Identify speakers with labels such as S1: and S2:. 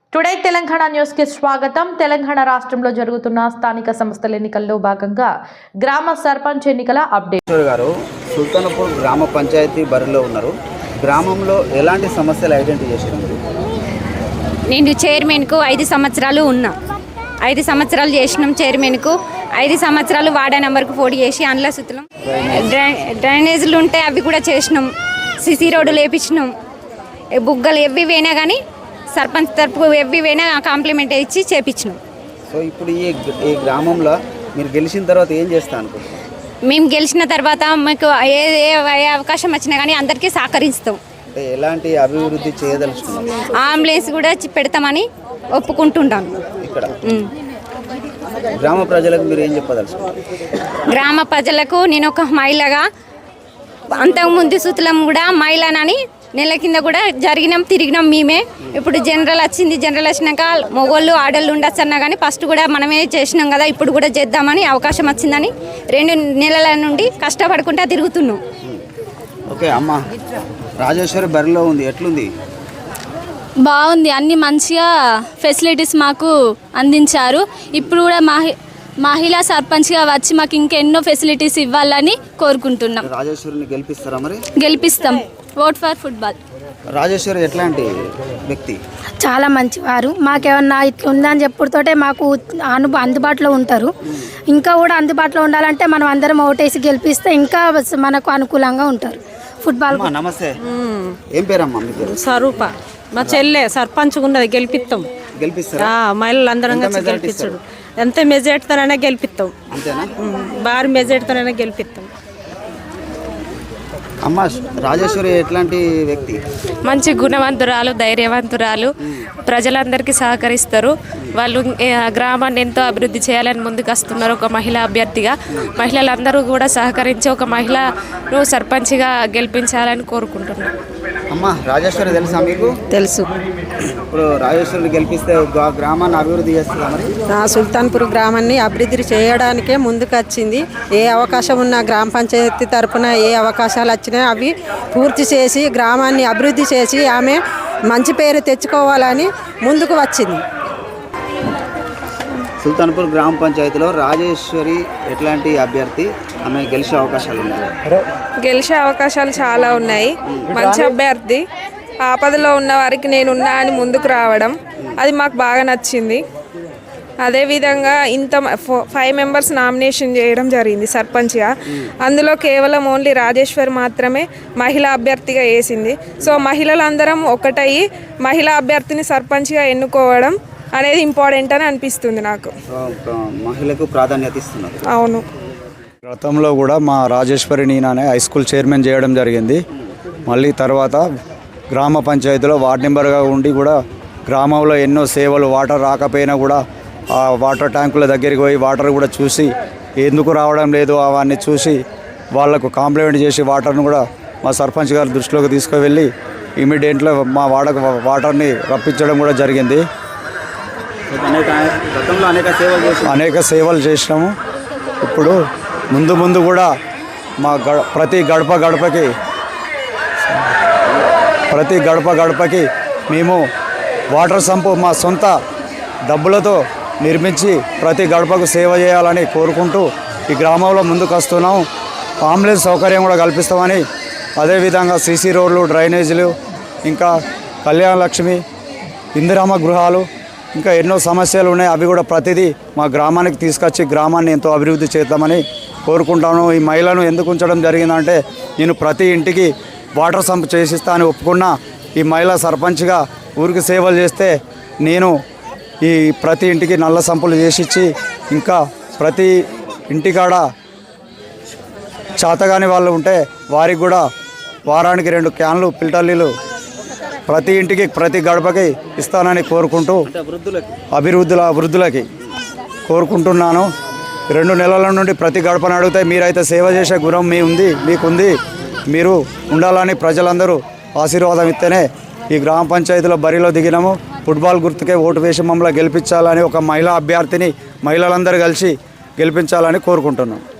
S1: Today Telangana news కి స్వాగతం. తెలంగాణ రాష్ట్రంలో జరుగుతున్న స్థానిక సంస్థల ఎన్నికల్లో భాగంగా గ్రామ సర్పంచ్ ఎన్నికల అప్డేట్.
S2: గారు సుల్తానపూర్ గ్రామ పంచాయతీ బరిలో ఉన్నారు. గ్రామంలో ఎలాంటి సమస్యలు ఐడెంటిఫై చేశారు?
S3: నేను చైర్మన్కు 5 సంవత్సరాలు ఉన్నా. 5 సంవత్సరాలు చేసినాం చైర్మన్కు. 5 సంవత్సరాలు వార్డా నెంబర్కు పోటీ చేసి అందులో సుత్తలం డ్రైనేజీలు ఉంటే అవి కూడా చేసినాం. సిసి రోడ్డు లేపించినాం. బుగ్గలు ఎవ్వివైనా కానీ సర్పంచ్ తరపు ఎవ్వివైనా కాంప్లిమెంట్ ఇచ్చి చేపించినాం.
S2: సో ఇప్పుడు ఈ గ్రామంలో మీరు గెలిచిన తర్వాత ఏం చేస్తా అనుకుంటున్నారు?
S3: మేము గెలిచిన తర్వాత మీకు ఏ అవకాశం వచ్చినా కానీ అందరికీ సహకరిస్తాం.
S2: అంటే ఎలాంటి అభివృద్ధి చేయదలుచుకున్నాం?
S3: అంబులెన్స్ కూడా పెడతామని ఒప్పుకుంటుంటాం.
S2: ఇక్కడ గ్రామ ప్రజలకు మీరు ఏం చెప్పదలుచుకున్నారు?
S3: గ్రామ ప్రజలకు నేను ఒక మహిళగా అంతకుముందు సుతులం కూడా మహిళనని నెల కింద కూడా తిరిగినాం మేమే. ఇప్పుడు జనరల్ వచ్చింది. జనరల్ వచ్చినాక మొగోళ్ళు ఆడళ్ళు ఉండొచ్చు అన్నా కానీ ఫస్ట్ కూడా మనమే చేసినాం కదా, ఇప్పుడు కూడా చేద్దామని అవకాశం వచ్చిందని 2 నెలల నుండి కష్టపడుకుంటా తిరుగుతున్నాం.
S2: ఓకే అమ్మ, రాజేశ్వరి బరిలో ఉంది, ఎట్లుంది?
S4: బాగుంది. అన్ని మంచిగా ఫెసిలిటీస్ మాకు అందించారు. ఇప్పుడు కూడా మహిళా సర్పంచ్గా వచ్చి మాకు ఇంకెన్నో ఫెసిలిటీస్ ఇవ్వాలని కోరుకుంటున్నాం.
S2: రాజేశ్వరిని గెలిపిస్తారా? మరి
S4: గెలిపిస్తాం. Vote for football.
S2: రాజేశ్వరి ఎట్లాంటి వ్యక్తి?
S5: చాలా మంచివారు. మాకేమన్నా ఇట్లా ఉందని చెప్పుడుతోటే మాకు అందుబాటులో ఉంటారు. ఇంకా కూడా అందుబాటులో ఉండాలంటే మనం అందరం ఓటేసి గెలిపిస్తే ఇంకా మనకు అనుకూలంగా ఉంటారు. ఫుట్బాల్.
S2: నమస్తే, ఏం పేరమ్మా మీ పేరు?
S6: స్వరూప. మా చెల్లె సర్పంచ్ ఉన్నది, గెలిపిస్తాం.
S2: గెలిపిస్తారా?
S6: మహిళలు అందరం గెలిపించడు. ఎంత మెజార్టీతోనైనా గెలిపిస్తాం.
S2: అంతేనా?
S6: భారీ మెజార్టీతోనైనా గెలిపిస్తాం.
S2: అమ్మ, రాజేశ్వరి ఎట్లాంటి వ్యక్తి?
S7: మంచి గుణవంతురాలు, ధైర్యవంతురాలు, ప్రజలందరికీ సహకరిస్తారు. వాళ్ళు గ్రామాన్ని ఎంతో అభివృద్ధి చేయాలని ముందుకు వస్తున్నారు. ఒక మహిళా అభ్యర్థిగా మహిళలందరూ కూడా సహకరించి ఒక మహిళను సర్పంచ్గా గెలిపించాలని కోరుకుంటున్నాను.
S2: అమ్మ, రాజేశ్వరి తెలుసా మీకు?
S6: తెలుసు.
S2: ఇప్పుడు రాజేశ్వరిని గెలిపిస్తే గ్రామాన్ని అభివృద్ధి చేస్తుందా? మరి
S6: సుల్తాన్పూర్ గ్రామాన్ని అభివృద్ధి చేయడానికే ముందుకు వచ్చింది. ఏ అవకాశం ఉన్నా గ్రామ పంచాయతీ తరఫున ఏ అవకాశాలు వచ్చినా అవి పూర్తి చేసి గ్రామాన్ని అభివృద్ధి చేసి ఆమె మంచి పేరు తెచ్చుకోవాలని ముందుకు వచ్చింది.
S2: సుల్తాన్పూర్ గ్రామ పంచాయతీలో రాజేశ్వరి ఎట్లాంటి అభ్యర్థి? ఆమె గెలిచే అవకాశాలు ఉన్నాయి?
S8: గెలిచే అవకాశాలు చాలా ఉన్నాయి. మంచి అభ్యర్థి. ఆపదలో ఉన్న వారికి నేనున్నా అని ముందుకు రావడం అది మాకు బాగా నచ్చింది. అదేవిధంగా 5 మెంబర్స్ నామినేషన్ చేయడం జరిగింది సర్పంచ్గా. అందులో కేవలం ఓన్లీ రాజేశ్వరి మాత్రమే మహిళా అభ్యర్థిగా వేసింది. సో మహిళలందరం ఒకటయ్యి మహిళా అభ్యర్థిని సర్పంచ్గా ఎన్నుకోవడం అనేది ఇంపార్టెంట్ అని అనిపిస్తుంది నాకు.
S2: మహిళకు ప్రాధాన్యత ఇస్తున్నారు.
S8: అవును.
S9: గతంలో కూడా మా రాజేశ్వరి నీనానే హై స్కూల్ చైర్మన్ చేయడం జరిగింది. మళ్ళీ తర్వాత గ్రామ పంచాయతీలో వార్డ్ మెంబర్గా ఉండి కూడా గ్రామంలో ఎన్నో సేవలు, వాటర్ రాకపోయినా కూడా ఆ వాటర్ ట్యాంకుల దగ్గరికి పోయి వాటర్ కూడా చూసి ఎందుకు రావడం లేదు అవన్నీ చూసి వాళ్లకు కాంప్లిమెంట్ చేసి వాటర్ను కూడా మా సర్పంచ్ గారి దృష్టిలోకి తీసుకువెళ్ళి ఇమీడియట్లో మా వాటర్ని రప్పించడం కూడా జరిగింది. అనేక సేవలు చేసినాము. ఇప్పుడు ముందు కూడా మా ప్రతి గడప గడపకి మేము వాటర్ సంపు మా సొంత డబ్బులతో నిర్మించి ప్రతి గడపకు సేవ చేయాలని కోరుకుంటూ ఈ గ్రామంలో ముందుకు వస్తున్నాం. అంబులెన్స్ సౌకర్యం కూడా కల్పిస్తామని, అదేవిధంగా సీసీ రోడ్లు, డ్రైనేజీలు, ఇంకా కళ్యాణ లక్ష్మి, ఇందిరమ్మ గృహాలు, ఇంకా ఎన్నో సమస్యలు ఉన్నాయి. అవి కూడా ప్రతిదీ మా గ్రామానికి తీసుకొచ్చి గ్రామాన్ని ఎంతో అభివృద్ధి చేద్దామని కోరుకుంటాను. ఈ మహిళను ఎందుకు ఉంచడం జరిగిందంటే నేను ప్రతి ఇంటికి వాటర్ సంప్ చేసిస్తా అని ఒప్పుకున్నా. ఈ మహిళా సర్పంచ్గా ఊరికి సేవలు చేస్తే నేను ఈ ప్రతి ఇంటికి నల్ల సంపులు చేసిచ్చి ఇంకా ప్రతి ఇంటికాడ చేతగాని వాళ్ళు ఉంటే వారికి కూడా వారానికి 2 క్యాన్లు ఫిల్టర్ నీళ్ళు ప్రతి ఇంటికి ప్రతి గడపకి ఇస్తానని కోరుకుంటూ వృద్ధులకి కోరుకుంటున్నాను. 2 నెలల నుండి ప్రతి గడపను అడిగితే మీరైతే సేవ చేసే గుణం మీకుంది, మీరు ఉండాలని ప్రజలందరూ ఆశీర్వాదం ఇస్తేనే ఈ గ్రామ పంచాయతీలో బరిలో దిగినాము. ఫుట్బాల్ గుర్తుకే ఓటు వేసి మమ్మల్ని గెలిపించాలని ఒక మహిళా అభ్యర్థిని మహిళలందరూ కలిసి గెలిపించాలని కోరుకుంటున్నాం.